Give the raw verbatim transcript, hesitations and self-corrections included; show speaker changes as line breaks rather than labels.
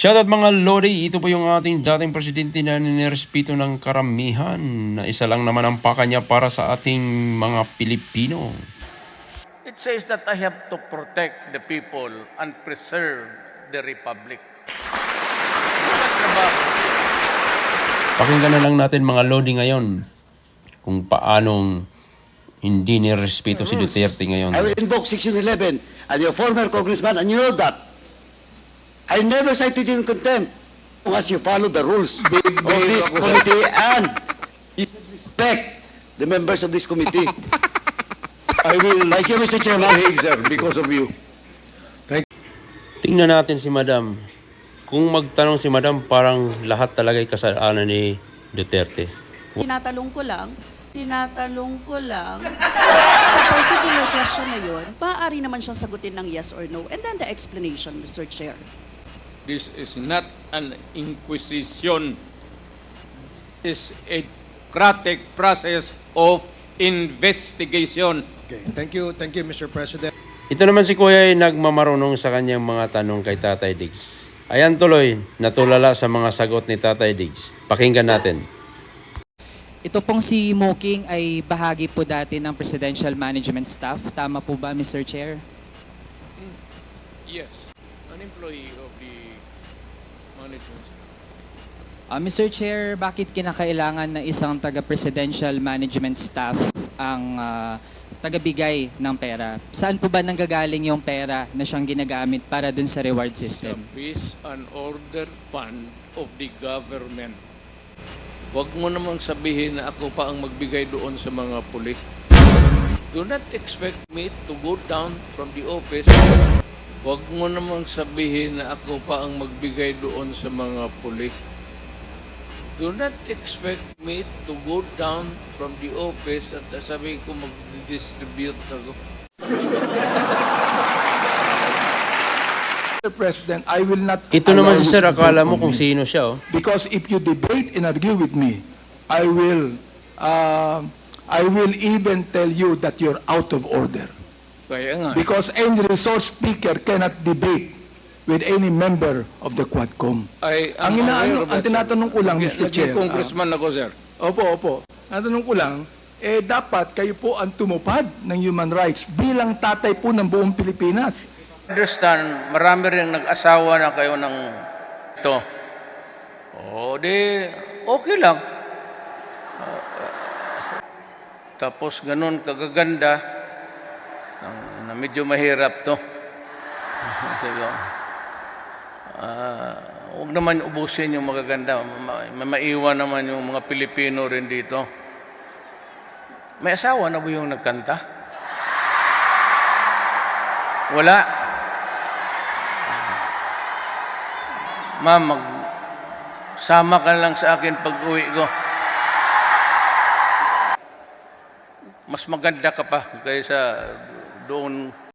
Shoutout mga Lodi, ito po yung ating dating presidente na nirespeto ng karamihan na isa lang naman ang paka niya para sa ating mga Pilipino.
It says that I have to protect the people and preserve the republic. Yung ang trabaho.
Pakinggan na lang natin mga Lodi ngayon kung paanong hindi nirespeto si Duterte ngayon.
I will invoke Section eleven and your former congressman, and you know that. I never cited you in contempt unless you follow the rules of this committee and you should respect the members of this committee. I will, like you, Mister Chairman, sir, because of you.
Tingnan natin si Madam. Kung magtanong si Madam, parang lahat talaga ay kasalanan ni Duterte.
Tinatalong ko lang, tinatalong ko lang, sa particular question na yun, maaari naman siyang sagutin ng yes or no. And then the explanation, Mister Chair.
This is not an inquisition. It's a democratic process of investigation.
Okay, thank you, thank you, Mister President.
Ito naman si Kuya ay nagmamarunong sa kanyang mga tanong kay Tatay Diggs. Ayan tuloy, natulala sa mga sagot ni Tatay Diggs. Pakinggan natin.
Ito pong si Moking ay bahagi po dati ng Presidential Management Staff. Tama po ba, Mister Chair?
Yes, an employee of the management staff.
Uh, Mister Chair, bakit kinakailangan na isang taga-Presidential Management Staff ang uh, tagabigay ng pera? Saan po ba nanggagaling yung pera na siyang ginagamit para dun sa reward
It's a
system?
peace and order fund of the government. Huwag mo namang sabihin na ako pa ang magbigay doon sa mga pulis. Do not expect me to go down from the office. Huwag mo namang sabihin na ako pa ang magbigay doon sa mga pulis. Do not expect me to go down from the office at sabihin ko mag-distribute ako.
Mister President, I will not
Ito naman
allow
si
you
Sir,
to
akala
debate
mo
on
kung
me.
sino siya oh.
Because if you debate and argue with me, I will, uh, I will even tell you that you're out of order.
Kaya nga.
Because any resource speaker cannot debate with any member of the Quadcom.
I
Ang
am
inaano,
aware of
ang
that,
tinatanong ko lang,
sir.
Mister
Naging
Chair,
congressman ako, sir.
Opo, opo. Ang tanong ko lang, eh dapat kayo po ang tumupad ng human rights bilang tatay po ng buong Pilipinas.
Understand, marami rin nag-asawa na kayo ng ito. O, di, okay lang. Uh, tapos ganun kagaganda na, na medyo mahirap to. Sige. Uh, huwag naman ubusin yung magaganda. Ma ma maiwan naman yung mga Pilipino rin dito. May asawa na ba yung nagkanta? Wala. Ma'am, magsama ka lang sa akin pag uwi ko. Mas maganda ka pa kaysa doon